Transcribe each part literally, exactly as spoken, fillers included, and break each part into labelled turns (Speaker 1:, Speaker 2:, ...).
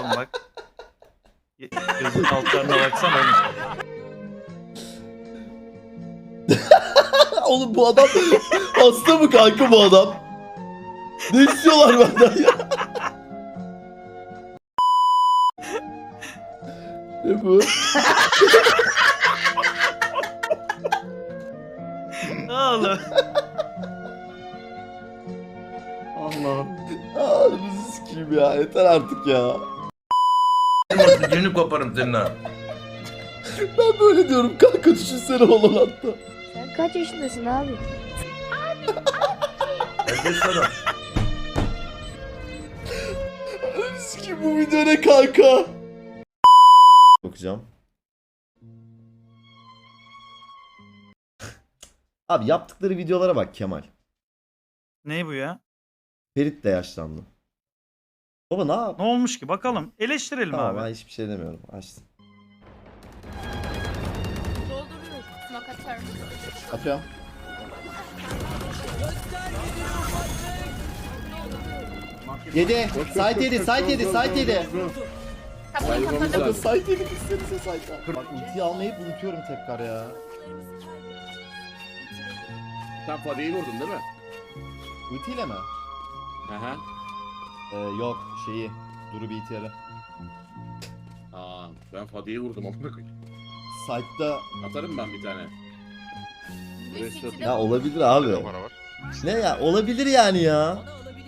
Speaker 1: oğlum bak. Gözün altlarına baksana oğlum.
Speaker 2: Oğlum bu adam hasta mı kanka bu adam? Ne istiyorlar benden ya? Ne bu?
Speaker 1: Oğlum.
Speaker 2: Allah'ım. Ağzımızı sikeyim ya. Yeter artık ya.
Speaker 3: Günü koparım senin ha.
Speaker 2: Ben böyle diyorum kanka, düşünsene olan hatta.
Speaker 4: Sen kaç yaşındasın abi?
Speaker 3: Herkes sana.
Speaker 2: Sikeyim, bu video ne kanka? Bakacağım. Abi yaptıkları videolara bak Kemal.
Speaker 1: Ne bu ya?
Speaker 2: Ferit de yaşlandı. Baba ne yap?
Speaker 1: Ne olmuş ki? Bakalım. Eleştirelim
Speaker 2: Tamam,
Speaker 1: abi.
Speaker 2: ben hiçbir şey demiyorum. Açtım.
Speaker 5: Dolduruyoruz. Smoke atarım.
Speaker 2: Atıyorum. Yedi. Site yedi. Site yedi. Site yedi.
Speaker 5: Kapıyı
Speaker 2: Bakın
Speaker 5: kapatalım.
Speaker 2: site yedi. Gitsenize site'a. Bak ultiyi almayı unutuyorum tekrar ya.
Speaker 6: Sen Fadi'yi vurdun değil mi?
Speaker 2: Ultiyle mi?
Speaker 6: Aha.
Speaker 2: Ee, yok şeyi. Duru B T R'ı.
Speaker 6: Aa, ben Fadi'yi vurdum amına koyayım.
Speaker 2: Site'da
Speaker 6: Atarım ben bir tane. Restore-
Speaker 2: ya olabilir abi. Ne ya, olabilir yani ya.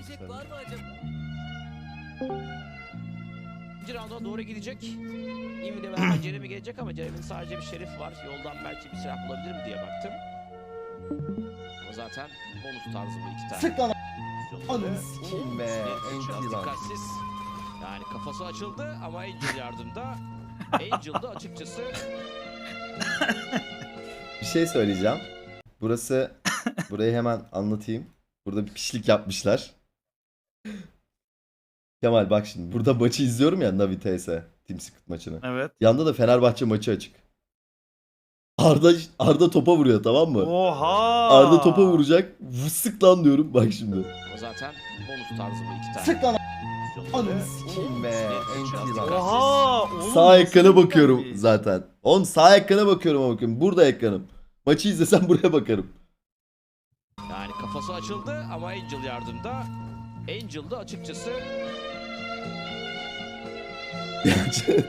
Speaker 7: İkinci rounda doğru gidecek. İmi ile beraber Jeremy gelecek ama Jeremy'nin sadece bir şerif var. Yoldan belki bir silah bulabilir mi diye baktım. Ama zaten bonus tarzı bu iki tane.
Speaker 2: Sık lan.
Speaker 7: Pozisyonları.
Speaker 2: Ananı sikeyim be.
Speaker 7: Biraz
Speaker 2: Enti lan.
Speaker 7: dikkatsiz. Yani kafası açıldı ama Angel yardımda. Angel'da açıkçası
Speaker 2: Bir şey söyleyeceğim. Burası, burayı hemen anlatayım. Burada bir pişlik yapmışlar. Kemal bak şimdi. Burada maçı izliyorum ya, Navi T S. Team Secret maçını.
Speaker 1: Evet.
Speaker 2: Yanda da Fenerbahçe maçı açık. Arda Arda topa vuruyor, tamam mı?
Speaker 1: Oha.
Speaker 2: Arda topa vuracak. Vısık lan diyorum. Bak şimdi.
Speaker 7: ama zaten bonus tarzı bu iki tane.
Speaker 2: Sık lan.
Speaker 7: Pozisyonları.
Speaker 2: Ananı sikeyim be.
Speaker 7: Biraz
Speaker 2: Enti lan.
Speaker 7: dikkatsiz.
Speaker 1: Oha. Oğlum,
Speaker 2: Sağ
Speaker 1: nasıl
Speaker 2: ekrana
Speaker 1: bir
Speaker 2: bakıyorum
Speaker 1: taktik?
Speaker 2: zaten. Oğlum sağ ekrana bakıyorum ama bakıyorum. Burada ekranım. Maçı izlesem buraya bakarım.
Speaker 7: Yani kafası açıldı ama Angel yardımda. Angel'da açıkçası
Speaker 2: Gerçekten.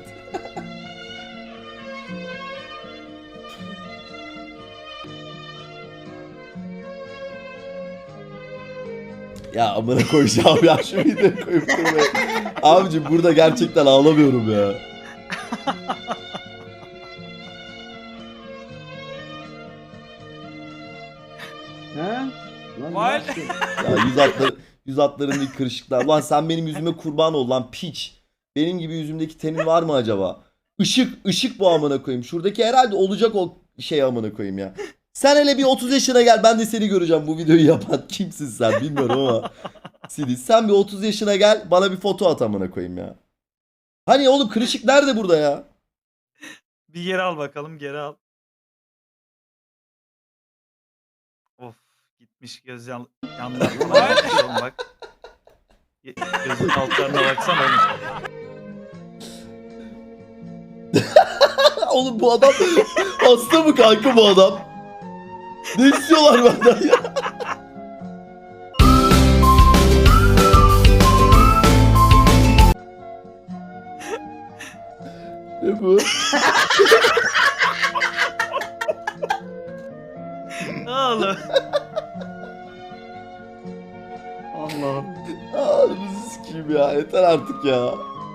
Speaker 2: Ya amına koyacağım ya, şu videoyu koyup durmayı. Abicim burada gerçekten ağlamıyorum ya.
Speaker 1: Vay.
Speaker 2: Ya yüz hatları, yüz hatların ilk kırışıklar. Ulan sen benim yüzüme kurban ol lan piç. Benim gibi yüzümdeki tenin var mı acaba? Işık, ışık bu amına koyayım. Şuradaki herhalde olacak o şey amına koyayım ya. Sen hele bir otuz yaşına gel, ben de seni göreceğim bu videoyu yapan. Kimsin sen bilmiyorum ama. Sidi sen bir otuz yaşına gel, bana bir foto at amına koyayım ya. Hani oğlum kırışık nerede burada ya?
Speaker 1: Bir geri al bakalım. Geri al. Of. Gitmiş göz yan yanlarına bakmış oğlum bak. Gözün altlarına baksana oğlum.
Speaker 2: Oğlum bu adam hasta mı kanka bu adam? Ne istiyorlar benden ya? Ne bu?
Speaker 1: Oğlum.
Speaker 2: Allah'ım. Ağzımızı sikeyim ya. Yeter artık ya.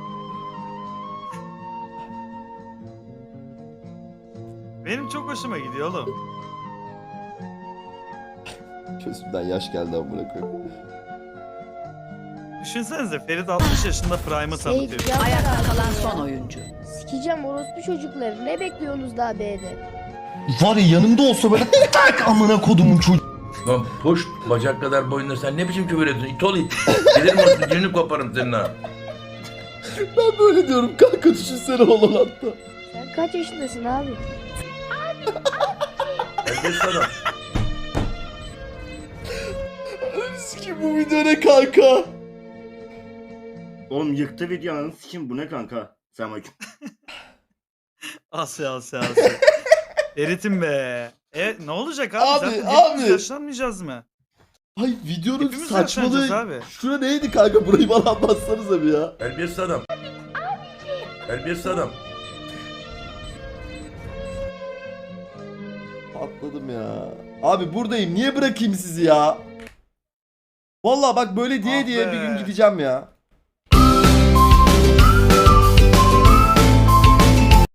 Speaker 1: Benim çok hoşuma gidiyor oğlum.
Speaker 2: Gözümden yaş geldi amına koyayım.
Speaker 1: Düşünsenize Ferit altmış yaşında Prime'ı tanıtıyor.
Speaker 4: Seyirci
Speaker 8: Ayakta kalan son oyuncu.
Speaker 4: Sikeceğim orospu çocukları. Ne bekliyorsunuz daha B'de?
Speaker 2: Var ya yanımda olsa böyle tak amına kodumun çocuğu.
Speaker 3: Lan poş bacak kadar boyunda sen ne biçim küfür ediyorsun? İt ol it. Gelirim orada günü koparım senin ha.
Speaker 2: Ben böyle diyorum kanka, düşünsene olan hatta.
Speaker 4: Sen kaç yaşındasın abi?
Speaker 3: Herkes sana.
Speaker 2: Sikim bu video ne kanka?
Speaker 8: Oğlum yıktı videonun sikim bu ne kanka? Selamünaleyküm.
Speaker 1: Asya Asya Asya. Eritin be. E ne olacak abi?
Speaker 2: Abi,
Speaker 1: Zaten
Speaker 2: abi.
Speaker 1: hepimiz yaşlanmayacağız mı?
Speaker 2: Ay videonun
Speaker 1: Hepimiz yaşlanacağız
Speaker 2: saçmalığı.
Speaker 1: abi.
Speaker 2: Şura neydi kanka? Burayı bana anlatsanıza bir ya.
Speaker 3: Terbiyesiz adam. Terbiyesiz adam.
Speaker 2: Patladım ya. Abi buradayım. Niye bırakayım sizi ya? Vallahi bak böyle diye
Speaker 1: Ah
Speaker 2: diye
Speaker 1: be.
Speaker 2: bir gün gideceğim ya.